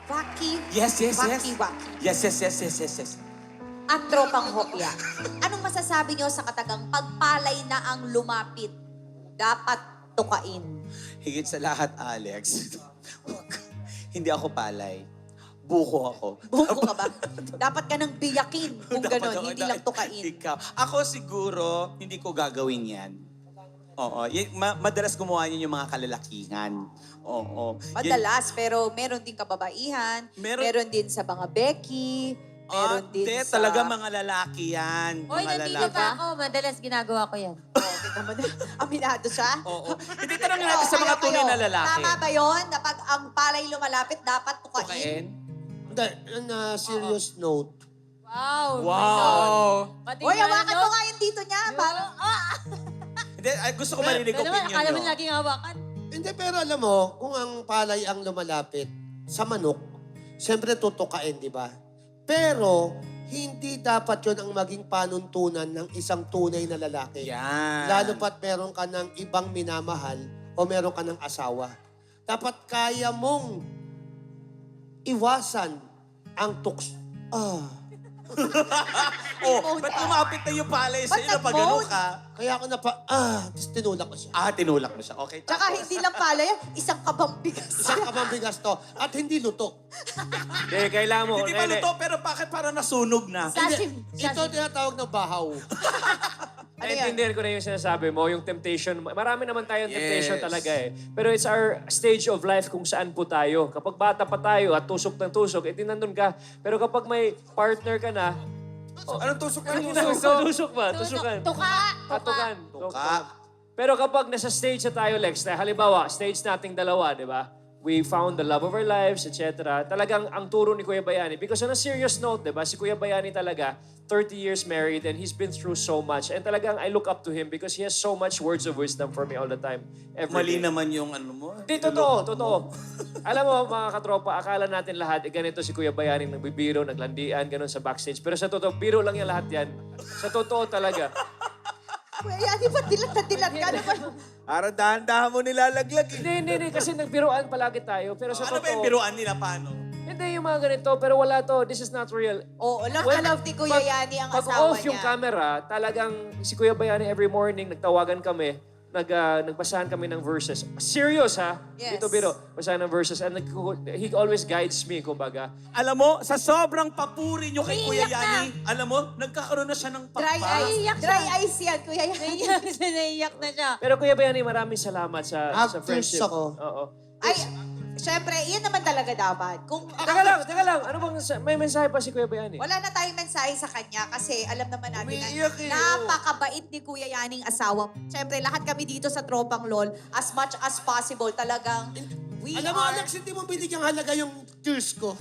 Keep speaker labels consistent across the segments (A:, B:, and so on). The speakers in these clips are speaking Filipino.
A: Wacky.
B: Yes.
A: Wacky.
B: Yes.
A: At tropang hopya. Anong masasabi nyo sa katagang pagpalay na ang lumapit? Dapat tukain.
B: Higit sa lahat, Alex, hindi ako palay. Buko ako.
A: Buko ka ba? Dapat ka nang biyakin kung
B: Dapat
A: gano'n,
B: ako-
A: hindi lang tukain.
B: Ikaw. Ako siguro, hindi ko gagawin yan. Oo. Madalas gumawa niyo yung mga kalalakihan. Oo.
A: Madalas, pero meron din kababaihan, meron din sa mga Becky, meron din
B: Hindi,
A: sa...
B: talaga mga lalaki yan.
C: Hoy,
B: Mga
C: nandito
B: lalaki.
C: pa ako. Madalas ginagawa ko yan.
A: Oh, kita mo na. Aminado siya.
B: Oo. Hindi, tanongin natin sa mga
A: Kayo,
B: tunay na lalaki.
A: Tama ba yun? Na pag ang palay lumalapit, dapat tukain?
B: Tukain?
D: Hindi, on a serious note,
C: Wow.
B: Wow!
C: Pati
A: Uy,
C: nga,
A: hawakan
C: ano?
A: mo nga yung dito niya. Parang,
B: Hindi, gusto ko marinig
C: Pero naman,
B: opinion
C: akala mo
B: nyo.
C: laging hawakan.
D: hindi, pero alam mo, kung ang palay ang lumalapit sa manok, siyempre tutukain, di ba? Pero, hindi dapat yon ang maging panuntunan ng isang tunay na lalaki.
B: Yan.
D: Lalo pat meron ka ng ibang minamahal o meron ka ng asawa. Dapat kaya mong iwasan ang tuks...
B: Oh, ba't lumapit na yung palay sa'yo na pag ano
A: nag-moan?
B: ka?
D: Kaya ako tapos tinulak ko siya.
B: Tinulak mo siya. Okay,
A: tsaka
B: tapos.
A: hindi lang palay, isang kabang bigas.
D: Isang kabang bigas to at hindi luto.
E: Hindi, kailangan mo.
B: Hindi pa luto, pero bakit parang nasunog na?
C: Sashimi.
D: Ito tinatawag na bahaw.
A: Ano yan?
E: Naintindihan ko na yung sinasabi mo, yung temptation. Marami naman tayong temptation
B: Yes.
E: talaga eh. Pero it's our stage of life kung saan po tayo. Kapag bata pa tayo at tusok ng tusok, edi nandun ka. Pero kapag may partner ka na,
B: Anong tusok na
E: tusok ba? Tusukan.
C: Tuka.
E: Atukan.
B: Tuka.
E: Pero kapag nasa stage na tayo, Lex, na halimbawa, stage nating dalawa, di ba? We found the love of our lives, etc. Talagang ang turo ni Kuya Bayani. Because on a serious note, di ba? Si Kuya Bayani talaga, 30 years married and he's been through so much. And talagang I look up to him because he has so much words of wisdom for me all the time.
B: Mali
E: Every day.
B: naman yung ano mo.
E: Hindi, totoo. Alam mo, mga katropa, akala natin lahat, ganito si Kuya Bayani, nagbibiro, naglandian, ganun sa backstage. Pero sa totoo, biro lang yung lahat yan. Sa totoo talaga.
A: Kuya, yan, di ba dilat na dilat ka? Ano ba?
B: Parang dahan-dahan mo nilalaglag eh.
E: Hindi, kasi nagbiroan palagi tayo. Pero sa
B: Ano
E: totoo,
B: ba yung biruan nila? Paano?
E: hindi yung mga ganito, pero wala to. This is not real.
A: Oo, love na love ni Kuya Yani ang
E: pag
A: asawa
E: off yung
A: niya.
E: camera, talagang si Kuya Bayani every morning, nagtawagan kami, nagbasahan kami ng verses. Serious ha?
A: Yes.
E: Dito biro, basahan ng verses. And he always guides me, kumbaga.
B: Alam mo, sa sobrang papuri nyo kay Kuya
C: Umiiyak na.
B: Yani, alam mo, nagkakaroon na siya ng
A: Dry
B: pakpak.
A: eyes. Dry eyes yan, Kuya Yani.
C: Naiyak na siya.
E: Pero Kuya Bayani, maraming salamat sa
D: Actors
E: friendship.
D: ako.
E: Oo.
A: Ay, syempre, yan naman talaga dapat. Kung
E: Teka lang. Ano bang, may mensahe pa si Kuya Bayani?
A: wala na tayong mensahe sa kanya kasi alam naman natin na
B: Umiiyak eh,
A: napakabait ni Kuya Yaning asawa. Siyempre, lahat kami dito sa Tropang LOL, as much as possible, talagang we
D: Alam mo,
A: are...
D: Alex, hindi mo binigyang halaga yung tears ko.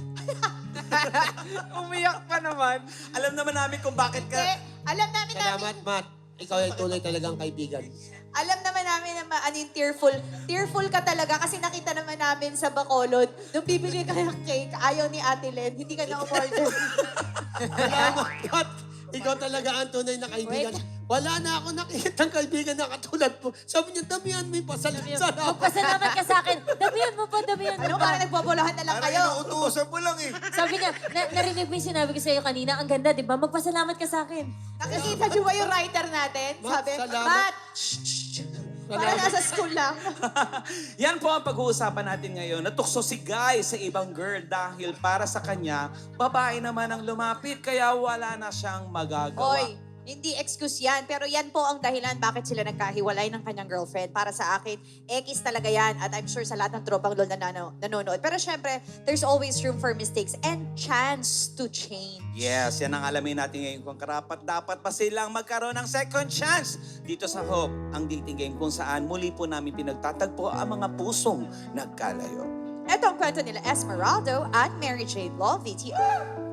B: Umiyak pa naman. Alam naman namin kung bakit ka...
A: Alam namin
D: Salamat, Matt. Ikaw ay tunay talagang kaibigan.
A: Alam naman namin na ano yung tearful. Tearful ka talaga kasi nakita naman namin sa Bacolod, nung bibili ka ng cake, ayaw ni Ate Len, hindi ka na umorder.
D: Salamat, Matt. Ikaw talaga ang tunay na kaibigan. Wala na ako nakikitang kaibigan na katulad mo. Sabi niya, damihan mo yung pasalamat.
C: Magpasalamat ka sa akin. Damihan mo pa.
A: Ano parang nagbobolahan na lang kayo?
B: inuutusan mo lang eh.
C: Sabi niya, narinig mo yung sinabi ko sa'yo kanina, ang ganda, di ba? Magpasalamat ka sa akin.
A: Nakikita niyo ba yung writer natin?
D: Matt,
A: Sabi,
D: salamat.
A: Matt, parang nasa school lang.
B: Yan po ang pag-uusapan natin ngayon. Natukso si Guy sa ibang girl dahil para sa kanya, babae naman ang lumapit kaya wala na siyang magagawa.
A: Oy, hindi excuse yan. Pero yan po ang dahilan bakit sila nagkahiwalay ng kanyang girlfriend. Para sa akin, X talaga yan. At I'm sure sa lahat ng tropang lol na nanonood. Pero syempre, there's always room for mistakes and chance to change.
B: Yes, yan ang alamin natin ngayon kung karapat dapat pa silang magkaroon ng second chance dito sa Hope, ang dating game kung saan muli po namin pinagtatagpo ang mga pusong nagkalayo.
A: Ito ang kwento nila Esmeraldo at Mary Jane Law, VTR.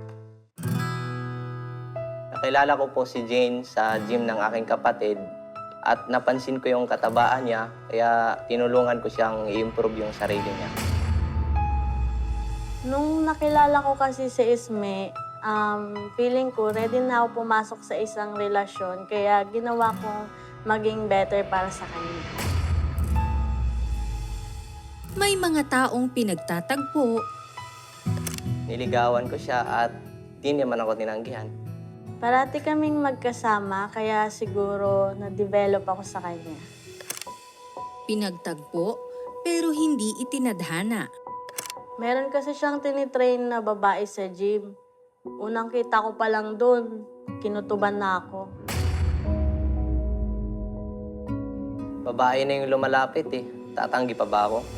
F: Nakilala ko po si Jane sa gym ng aking kapatid at napansin ko yung katabaan niya kaya tinulungan ko siyang i-improve yung sarili niya.
G: Nung nakilala ko kasi si Isme, feeling ko ready na ako pumasok sa isang relasyon kaya ginawa kong maging better para sa kanya.
H: May mga taong pinagtatagpo
F: niligawan ko siya at di naman ako tinanggihan.
G: Parati kaming magkasama, kaya siguro na-develop ako sa kanya.
H: Pinagtagpo pero hindi itinadhana.
G: Meron kasi siyang tinitrain na babae sa gym. Unang kita ko pa lang doon, kinutuban na ako.
F: Babae na yung lumalapit eh. Tatanggi pa ba ako?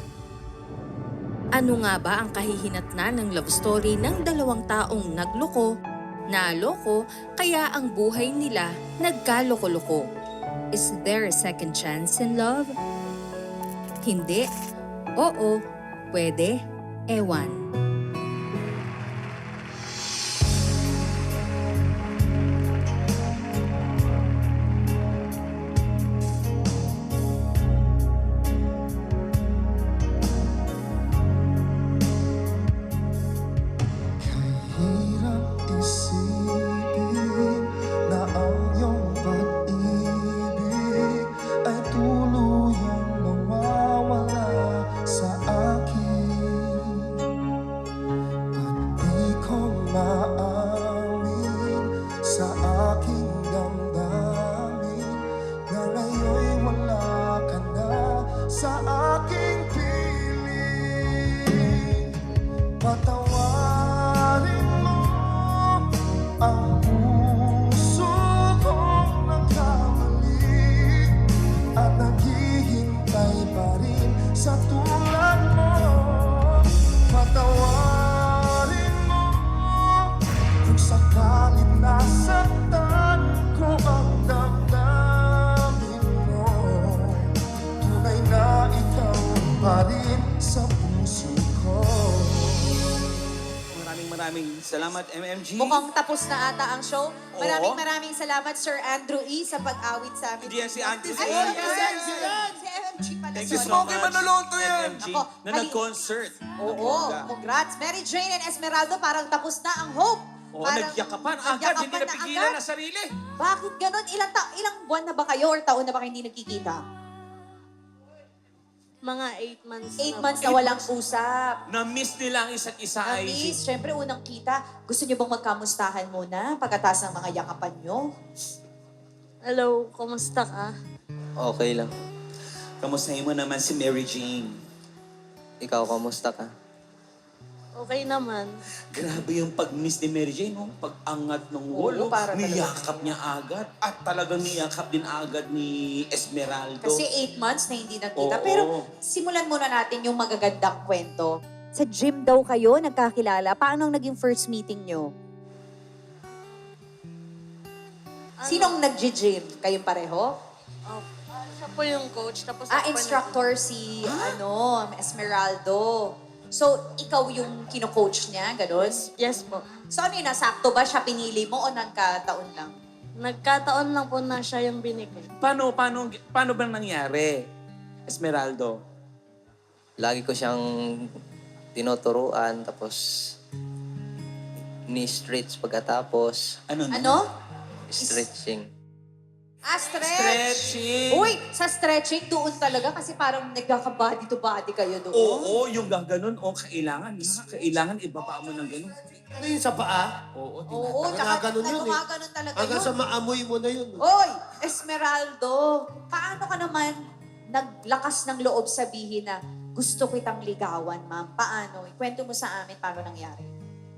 H: Ano nga ba ang kahihinatnan ng love story ng dalawang taong nagloko, naloko, kaya ang buhay nila nagkaloko-loko? Is there a second chance in love? Hindi. Oo. Pwede. Ewan.
I: Hirap isipin na ang iyong pag-ibig ay tuluyang mawawala sa akin. At di ko maamin sa aking damdamin na ngayon'y wala ka na sa aking piling. Patawarin mo ang puso kong nagkamali at naghihintay pa rin sa tulad mo. Patawarin mo kung sakalit nasaktan ko ang damdamin mo. Tunay na ikaw pa rin sa puso ko.
B: Maraming salamat, MMG.
A: Mukhang tapos na ata ang show.
B: Oo.
A: Maraming salamat, Sir Andrew E. sa pag-awit sa amin.
B: Hindi yan si Auntie
A: Ay,
B: Zane.
A: si MMG pala.
B: Thank you
A: sorry.
B: so much, MMG,
A: Ako,
B: na nag-concert.
A: Oo, congrats. Mary Jane and Esmeralda, parang tapos na ang hope.
B: Oo,
A: Parang
B: nagyakapan. Agad, hindi
A: nagyakapan
B: napigilan
A: agad.
B: na sarili.
A: Bakit ganun? Ilang buwan na ba kayo or taon na ba kayo hindi nagkikita?
G: Mga 8 months
A: 8
G: na
A: months na walang usap.
B: Na-miss nila ang isa't isa, IG.
A: Miss, syempre unang kita. Gusto niyo bang magkamustahan muna pagkatapos ng mga yakapan niyo?
G: Hello, kumusta ka?
F: Okay lang.
B: Kamustahin mo naman si Mary Jane.
F: Ikaw, kamusta ka?
G: Okay naman.
B: Grabe yung pag-miss ni Mary Jane, no? Pag-angat ng
A: Oo,
B: wall,
A: para talaga.
B: niyakap niya agad. At talagang niyakap din agad ni Esmeraldo.
A: Kasi 8 months na hindi nagkita.
B: Oo.
A: Pero simulan muna natin yung magagandang kwento. Sa gym daw kayo nagkakilala. Paano ang naging first meeting nyo? Sinong nag-gym? Kayong pareho?
G: Siya po yung coach. Tapos ako pa
A: Instructor si Esmeraldo. So, ikaw yung kino-coach niya, ganun?
G: Yes po.
A: So, ano yun, nasakto ba siya pinili mo o nagkataon lang?
G: Nagkataon lang po na siya yung binigay.
B: Paano ba nangyari, Esmeraldo?
F: Lagi ko siyang tinuturuan, tapos ni-stretch pagkatapos.
B: Ano?
F: Stretching.
A: Stretch!
B: Stretching!
A: Uy, sa stretching, doon talaga kasi parang nagkaka-body to body kayo doon.
B: Oo, yung gaganon. O, kailangan. Kailangan ibaba mo ng ganun.
D: Ano yun sa paa?
B: Oo,
A: Oo, tsaka
D: Gumaganon yun eh.
A: gumaganon talaga
D: Hanggang
A: yun.
D: sa maamoy mo na yun.
A: Oy, Esmeraldo, paano ka naman naglakas ng loob sabihin na gusto kitang ligawan, ma'am? Paano? Ikwento mo sa amin paano nangyari.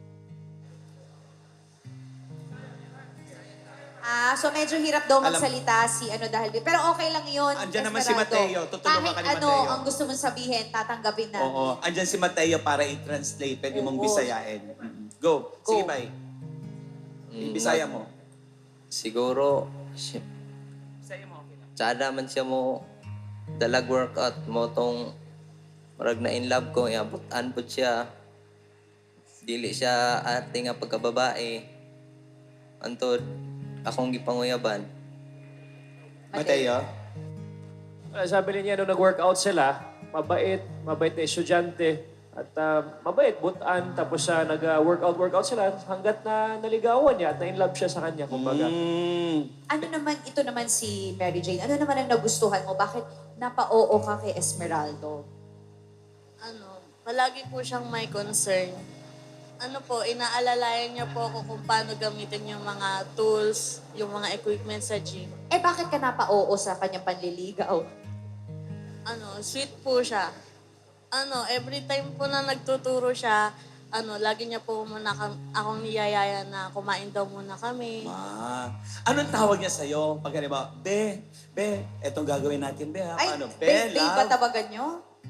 A: So medyo hirap daw magsalita si dahil... Pero okay lang yun,
B: Andyan naman si
A: Esmeraldo.
B: Mateo. Tutulungan ka ni
A: Kahit ano
B: Mateo.
A: ang gusto mong sabihin, tatanggapin namin.
B: Oo, andyan si Mateo para i-translate. Pwede mong
A: Oo.
B: bisayain. Go. Sige,
A: Go.
B: bye.
F: Mm,
B: Bisaya mo.
F: Siguro,
B: Bisaya mo, okay lang.
F: tsada man siya mo dalag workout mo tong marag na in love ko, iabutan po siya. Dili siya ate nga pagkababae. Antod, akong gipanguyaban.
B: Mateo?
E: Sabi niya, nung nag-workout sila, mabait na estudyante, at mabait, butan, tapos nag-workout sila hanggat na naligawan niya at na-inlove siya sa kanya, kumbaga.
A: Ano naman, ito naman si Mary Jane, ano naman ang nagustuhan mo? Bakit napa-oo ka kay Esmeraldo?
G: Palagi po siyang may concern. ano po, inaalalayan niya po ako kung paano gamitin yung mga tools, yung mga equipment sa gym.
A: Eh bakit ka napa-oo sa kanyang panliligaw?
G: Ano, sweet po siya. Ano, every time po na nagtuturo siya, ano, lagi niya po muna akong niyayaya na kumain daw muna kami.
B: Anong tawag niya sa'yo? Pag halimbawa, Be, etong gagawin natin, Be, ha?
A: Ay,
B: Ano,
A: babe ba
B: love?
A: tawagan nyo?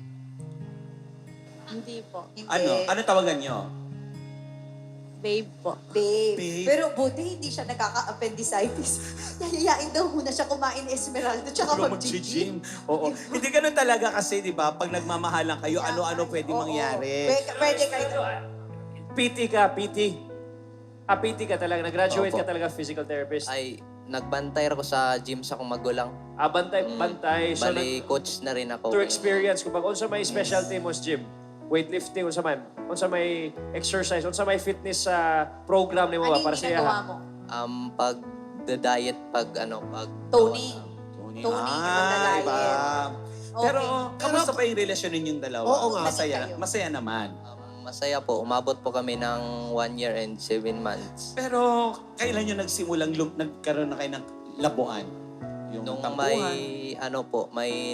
G: Hindi po.
A: Hindi.
B: Ano tawagan niyo?
G: Babe po.
A: Babe.
B: Babe.
A: Pero buti hindi siya nagkaka-appendicitis. Nahiyain daw muna siya kumain Esmeralda tsaka mag-gym.
B: Oo. Hindi ganun talaga kasi, di ba? Pag nagmamahalan kayo, ano-ano pwede mangyari.
A: Pwede kayo.
E: PT ka, PT. PT ka talaga. Nag-graduate
F: Opo.
E: ka talaga physical therapist.
F: Ay, nagbantay ako sa gym sa akong magulang.
E: Bantay. So,
F: Bali, coach na rin ako.
E: through experience, kung unsa may specialty mo sa gym, weightlifting, unsa man, unsa may exercise, unsa may fitness program ni mo
A: Ano
E: ba para
A: yung
E: sa
A: ginagawa
E: iya?
A: mo?
F: Pag the diet, pag
A: Toning.
B: Tony.
A: Toning,
B: Ah,
A: magdadayet.
B: iba.
A: Okay.
B: Pero, kamusta pa yung relasyon ninyong dalawa?
D: Oo nga.
B: Masaya,
A: Kayo.
B: masaya naman.
F: masaya po. Umabot po kami ng 1 year and 7 months.
B: Pero, kailan nyo nagsimulang nagkaroon na kayo ng labuan? Yung
F: Nung
B: tampuhan?
F: may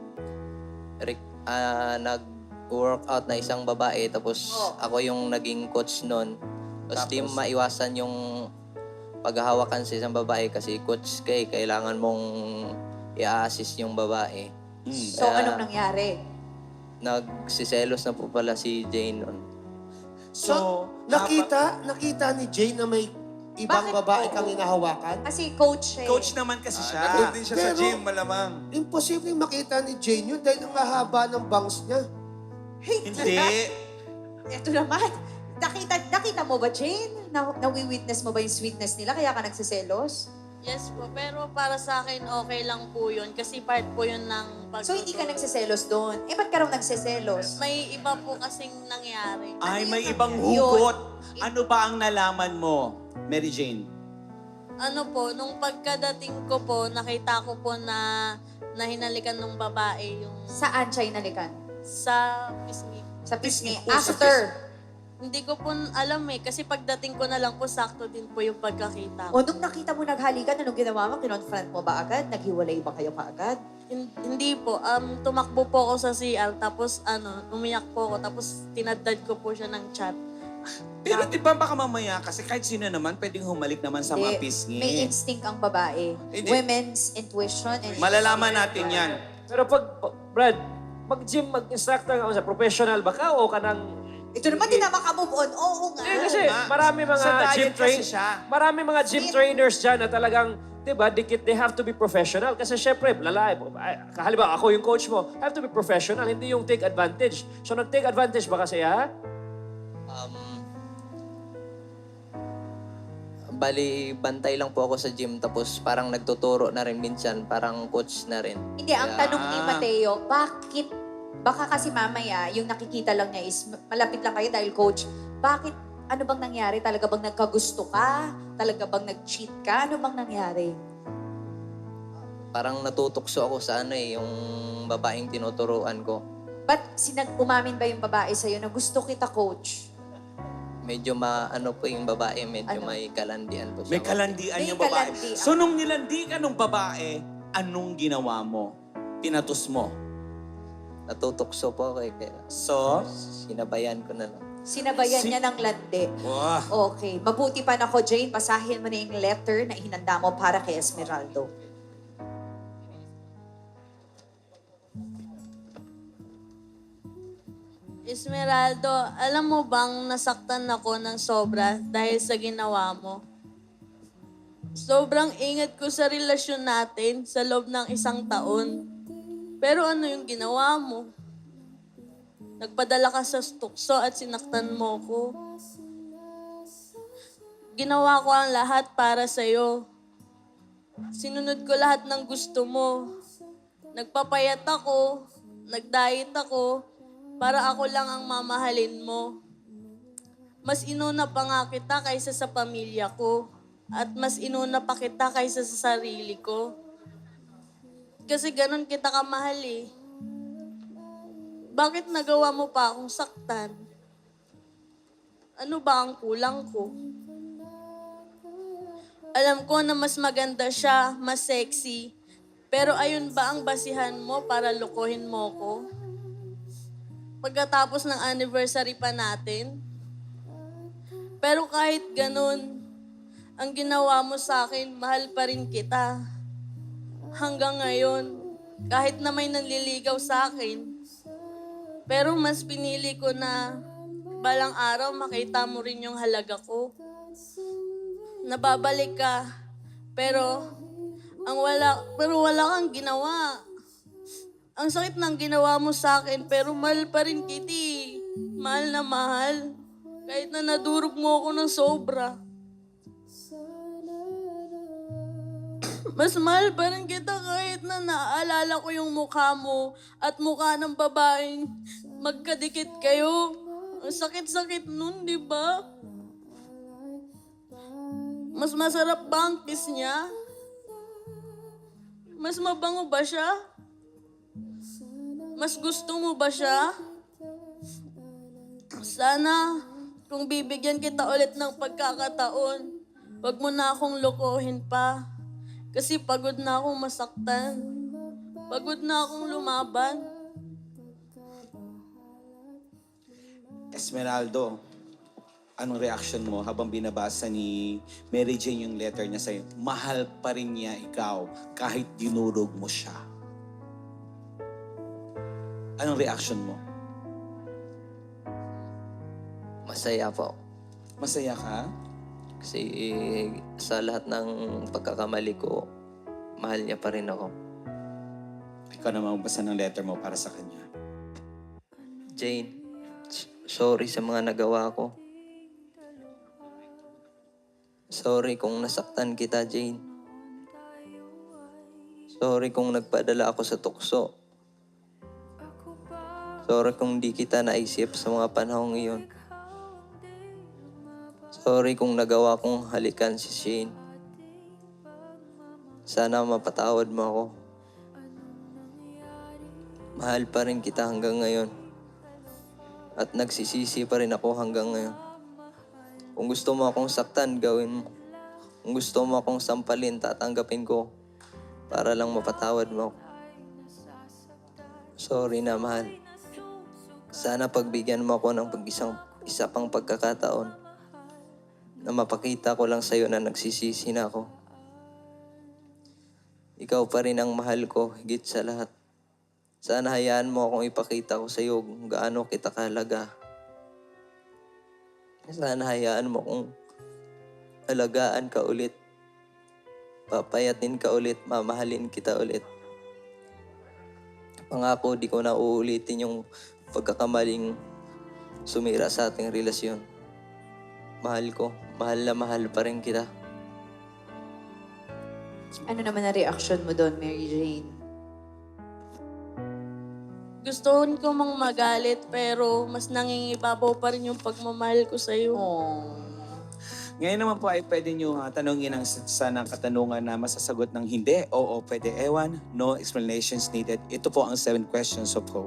F: nag-workout na isang babae, tapos ako yung naging coach nun. Tapos di
B: Tapos?
F: maiwasan yung paghahawakan sa isang babae kasi coach kailangan mong i-assist yung babae.
A: So, anong nangyari?
F: Nagsiselos na po pala si Jane nun.
B: So,
D: Nakita ni Jane na may ibang
A: Bakit
D: babae
A: po?
D: kang inahawakan?
A: Kasi coach siya.
B: coach naman kasi siya.
I: Nandun din siya sa
D: Pero-
I: gym, malamang.
D: Imposible makita ni Jane yun dahil ang hahaba ng bangs niya.
B: Hindi.
A: Ito naman. Nakita mo ba, Jane? Nawi-witness mo ba yung sweetness nila kaya ka nagsiselos?
G: Yes po, pero para sa akin okay lang po yun kasi part po yun ng pagtuturo.
A: So, hindi ka nagsiselos doon. Eh, ba't ka raw nagsiselos?
G: May iba po kasing nangyari.
B: Ay,
A: Ano
B: may
A: yung-
B: ibang
A: Yun.
B: hugot. Ano ba ang nalaman mo, Mary Jane?
G: Ano po, nung pagkadating ko po, nakita ko po na hinalikan ng babae yung
A: Saan siya inalikan?
G: sa pisngi.
A: Sa pisngi.
B: Oh, sa
A: After.
G: Hindi ko po alam kasi pagdating ko na lang po, sakto din po yung pagkakita
A: O
G: ko.
A: nung nakita mo naghalikan, anong ginawa mo? Kinonfront mo ba agad? Naghiwalay ba kayo kaagad?
G: Hindi po, tumakbo po ako sa CR, tapos umiyak po ako, tapos tinaddad ko po siya ng chat.
B: Pero di ba baka mamaya, kasi kahit sino naman, pwedeng humalik naman sa mga
A: Hindi.
B: pisngi.
A: May instinct ang babae.
B: Hindi.
A: Women's intuition. And
B: Malalaman natin yan.
E: Pero Brad, mag-gym, mag-instructor ka sa professional ba ka o ka ng...
A: ito naman, di na makamove on. Oo nga.
E: Eh, kasi
B: nga.
E: marami mga
B: Sa diet
E: gym
B: kasi siya.
E: marami mga gym trainers dyan na talagang, di ba, they have to be professional. Kasi syempre, lalaki, halimbawa ako yung coach mo, have to be professional, hindi yung take advantage. So nag-take advantage ba kasi, ha?
F: Bali, bantay lang po ako sa gym, tapos parang nagtuturo na rin minsan, parang coach na rin.
A: Hindi, ang tanong ni Mateo, bakit, baka kasi mamaya, yung nakikita lang niya is, malapit lang kayo dahil coach, bakit, ano bang nangyari? Talaga bang nagkagusto ka? Talaga bang nag-cheat ka? Ano bang nangyari?
F: Parang natutukso ako sa yung babaeng tinuturuan ko.
A: Ba't umamin ba yung babae sa'yo na gusto kita, coach?
F: Medyo po yung babae, medyo
A: Ano?
F: may kalandian po siya.
B: May kalandian
A: May
B: yung babae.
A: kalandi.
B: So nung nilandi ka nung babae, anong ginawa mo? Pinatus mo.
F: Natutukso po ako kaya
B: So?
F: sinabayan ko na lang.
A: Sinabayan niya ng landi.
B: Wah.
A: Okay. Mabuti pa na ko, Jane. Basahin mo na yung letter na ihinanda mo para kay Esmeraldo.
G: Esmeraldo, alam mo bang nasaktan ako ng sobra dahil sa ginawa mo? Sobrang ingat ko sa relasyon natin sa loob ng 1 taon. Pero ano yung ginawa mo? Nagpadala ka sa tukso at sinaktan mo ko. Ginawa ko ang lahat para sa'yo. Sinunod ko lahat ng gusto mo. Nagpapayat ako, nag-diet ako, para ako lang ang mamahalin mo. Mas inuna pa nga kita kaysa sa pamilya ko. At mas inuna pa kita kaysa sa sarili ko. Kasi ganun kita kamahal eh. Bakit nagawa mo pa akong saktan? Ano ba ang kulang ko? Alam ko na mas maganda siya, mas sexy. Pero ayun ba ang basihan mo para lokohin mo ko? Pagkatapos ng anniversary pa natin? Pero kahit ganun, ang ginawa mo sa akin, mahal pa rin kita. Hanggang ngayon, kahit na may nanliligaw sa akin, pero mas pinili ko na balang araw makita mo rin yung halaga ko. Nababalik ka, pero wala kang ginawa. Ang sakit ng ginawa mo sa akin, pero mahal pa rin kita. Mahal na mahal. Kahit na nadurog mo ako ng sobra. Mas mahal pa rin kita kahit na naaalala ko yung mukha mo at mukha ng babaeng magkadikit kayo. Ang sakit-sakit nun, di ba? Mas masarap ba ang kiss niya? Mas mabango ba siya? Mas gusto mo ba siya? Sana, kung bibigyan kita ulit ng pagkakataon, wag mo na akong lokohin pa. Kasi pagod na akong masaktan. Pagod na akong lumaban.
B: Esmeraldo, anong reaction mo habang binabasa ni Mary Jane yung letter niya sa'yo? Mahal pa rin niya ikaw kahit dinurog mo siya. Anong reaction mo?
F: Masaya po.
B: Masaya ka?
F: Kasi sa lahat ng pagkakamali ko, mahal niya pa rin ako.
B: Ikaw naman magbasa ng letter mo para sa kanya.
F: Jane, sorry sa mga nagawa ko. Sorry kung nasaktan kita, Jane. Sorry kung nagpadala ako sa tukso. Sorry kung di kita naisip sa mga panahong iyon. Sorry kung nagawa kong halikan si Shane. Sana mapatawad mo ako. Mahal pa rin kita hanggang ngayon. At nagsisisi pa rin ako hanggang ngayon. Kung gusto mo akong saktan, gawin mo. Kung gusto mo akong sampalin, tatanggapin ko. Para lang mapatawad mo ako. Sorry na, mahal. Sana pagbigyan mo ako ng isa pang pagkakataon na mapakita ko lang sa'yo na nagsisisi na ako. Ikaw pa rin ang mahal ko, higit sa lahat. Sana hayaan mo akong ipakita ko sa'yo kung gaano kita kahalaga. Sana hayaan mo kung alagaan ka ulit. Papayatin ka ulit, mamahalin kita ulit. Pangako, di ko na uulitin yung pagkakamaling sumira sa ating relasyon. Mahal ko, mahal na mahal pa rin kita.
A: Ano naman ang reaction mo doon, Mary Jane?
G: Gustuhin ko mang magalit, pero mas nangingibabaw pa rin yung pagmamahal ko sa'yo.
A: Oh.
B: Ngayon naman po ay pwede nyo tanongin ang sanang katanungan na masasagot ng hindi, oo, pwede ewan, no explanations needed. Ito po ang 7 questions of hope.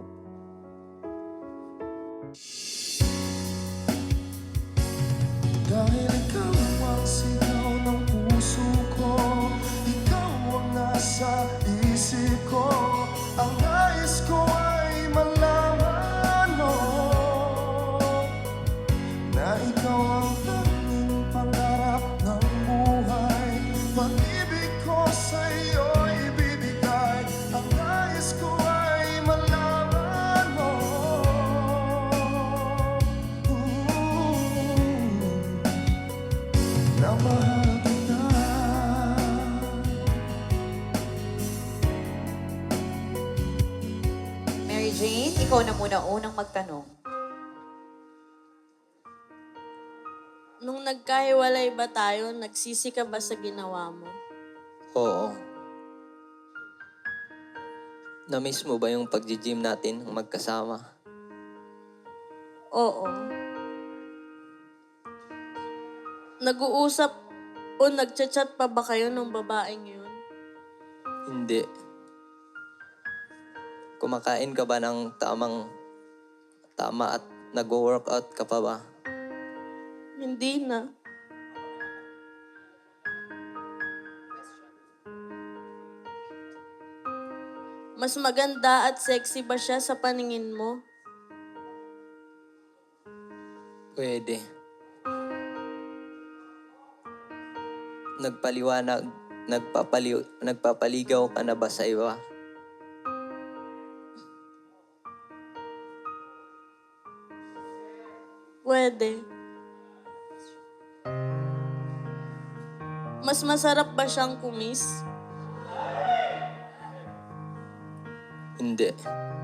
I: Dahil ikaw ang sigaw ng puso ko, ikaw ang nasa isip ko. Ang nais ko ay malaman mo na ikaw ang tanging pangarap ng buhay. Pag-ibig ko sa'yo ibibigay. Ang nais ko ay malaman mo na mahal kita.
A: Mary Jane, ikaw na muna unang magtanong.
G: Nung nagkahiwalay ba tayo, nagsisi ka ba sa ginawa mo?
F: Oo. Na-miss mo ba yung pag-gym natin ng magkasama?
G: Oo. Nag-uusap o nagchat-chat pa ba kayo ng babaeng yun?
F: Hindi. Kumakain ka ba ng tama at nag-workout ka pa ba?
G: Hindi na. Mas maganda at sexy ba siya sa paningin mo?
F: Pwede. Nagpapaligaw ka na ba sa iba?
G: Pwede. Mas masarap ba siyang kumis?
F: Hindi.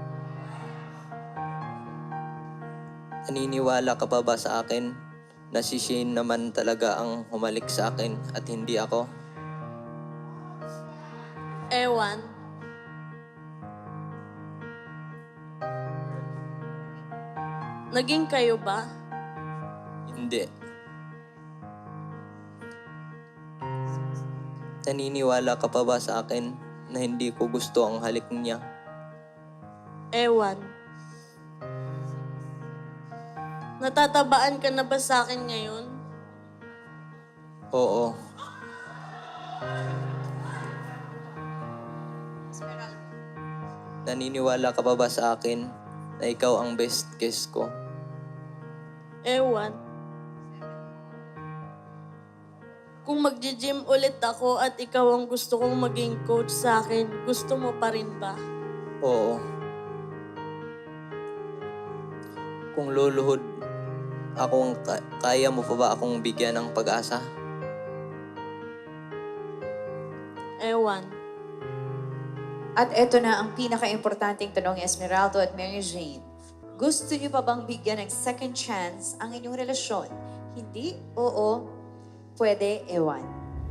F: Naniniwala ka pa ba sa akin na si Shane naman talaga ang humalik sa akin at hindi ako?
G: Ewan. Naging kayo ba?
F: Hindi. Naniniwala ka pa ba sa akin na hindi ko gusto ang halik niya?
G: Ewan. Natatabaan ka na ba sa akin ngayon?
F: Oo. Naniniwala ka pa ba sa akin na ikaw ang best case ko?
G: Ewan. Kung magji-gym ulit ako at ikaw ang gusto kong maging coach sa akin, gusto mo pa rin ba?
F: Oo. Kung luluhod akong kaya mo pa ba akong bigyan ng pag-asa?
G: Ewan.
A: At eto na ang pinaka-importanting tanong, Esmeraldo at Mary Jane. Gusto niyo pa bang bigyan ng second chance ang inyong relasyon? Hindi? Oo. Pwede? Ewan.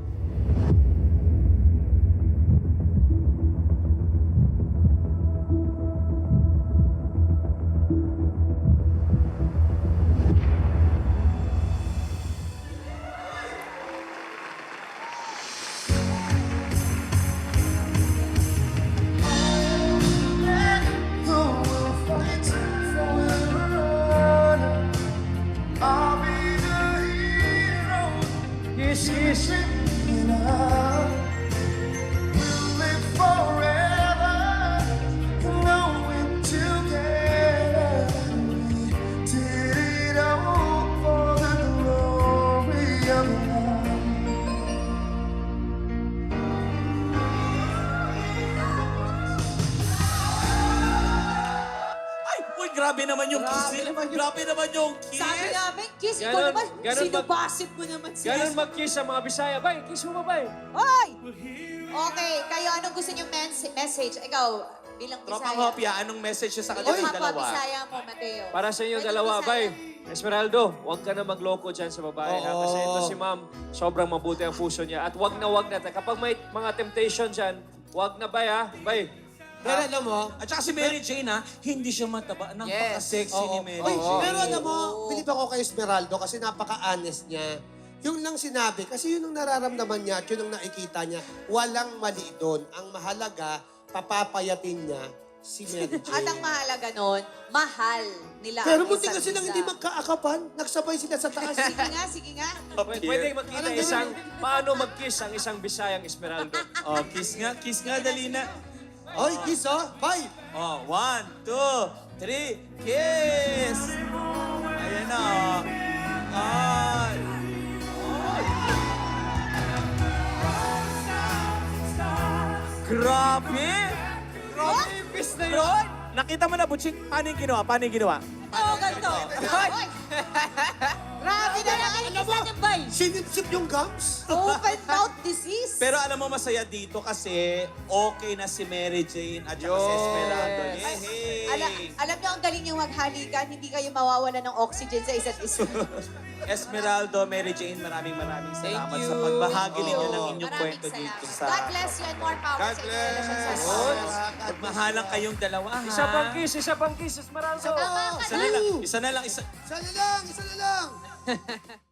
I: Though we'll fight forever, I'll be the hero.
E: Kiss, kiss.
I: And I will live forever, knowing together we did it all for the glory of love.
B: Ay, uy, grabe naman yung kiss. Grabe naman yung kiss.
A: Sabi namin, kiss, ikaw
E: Ganon,
A: naman.
E: ganon
A: Sinubasit mo naman siya.
E: Ganun mag-kiss sa mga Bisaya. Bay, kiss mo ba, bay?
A: Hoy! Okay, kayo anong gusto niyong message? Ikaw, bilang
B: Tropang
A: Bisaya.
B: Hopia, anong message nyo sa
A: Bilang
B: kanilang
A: kapwa
B: dalawa?
A: Bisaya mo, Mateo.
E: Para sa inyo
A: Pwede
E: dalawa,
A: Bisaya.
E: bay. Esmeraldo, huwag ka na magloko dyan sa babae. Ha?
D: Oo.
E: Kasi ito si ma'am, sobrang mabuti ang puso niya. At wag na. Kapag may mga temptation dyan, wag na, bay, ha? Bay.
D: Pero alam mo,
B: At saka si Mary Jane, ha, hindi siya mataba. Napaka-sexy ni Mary
D: Uy,
B: Jane.
D: pero alam mo, bilib ako kay Esmeraldo kasi napaka-honest niya. Yung lang sinabi, kasi yun ang nararamdaman niya at yun ang nakikita niya. Walang mali doon. Ang mahalaga, papapayatin niya si Mary Jane.
A: At ang mahalaga nun, mahal nila
D: Pero
A: ang
D: buti
A: isa't
D: kasi lang
A: isa.
D: hindi magkaakapan. Nagsabay sila sa taas.
A: Sige nga, sige nga.
E: Pwede makita paano mag-kiss ang isang Bisayang Esmeraldo.
B: Oh, kiss nga, dali na.
D: Oy, kiss oh. Bye!
B: Oh, 1, 2, 3, kiss! Ayan na, oh. Ay! Grabe! Grabe yung kiss na yun! Nakita mo na, Butching, paano yung ginawa?
A: Oo, ganito. Hoy! Grabe na lang.
C: Kiss natin, bay.
D: Sinipsip yung gums.
A: Open mouth disease.
B: Pero alam mo, masaya dito kasi okay na si Mary Jane at saka si Esmeraldo. Yehey!
A: Alam niyo, ang galing yung maghalikan, hindi kayo mawawala ng oxygen sa isa't isa.
B: Esmeraldo, Mary Jane, maraming salamat sa pagbahagi ninyo ng inyong
A: Maraming
B: kwento dito
A: salamat.
B: sa...
A: God bless you and more power
B: God
A: sa inyong relasyon sa
B: bless.
A: Lord.
B: Magmahalang kayong dalawa, ha?
E: Isa pang kiss, Esmeraldo.
B: Isa na lang.
D: Isa na lang.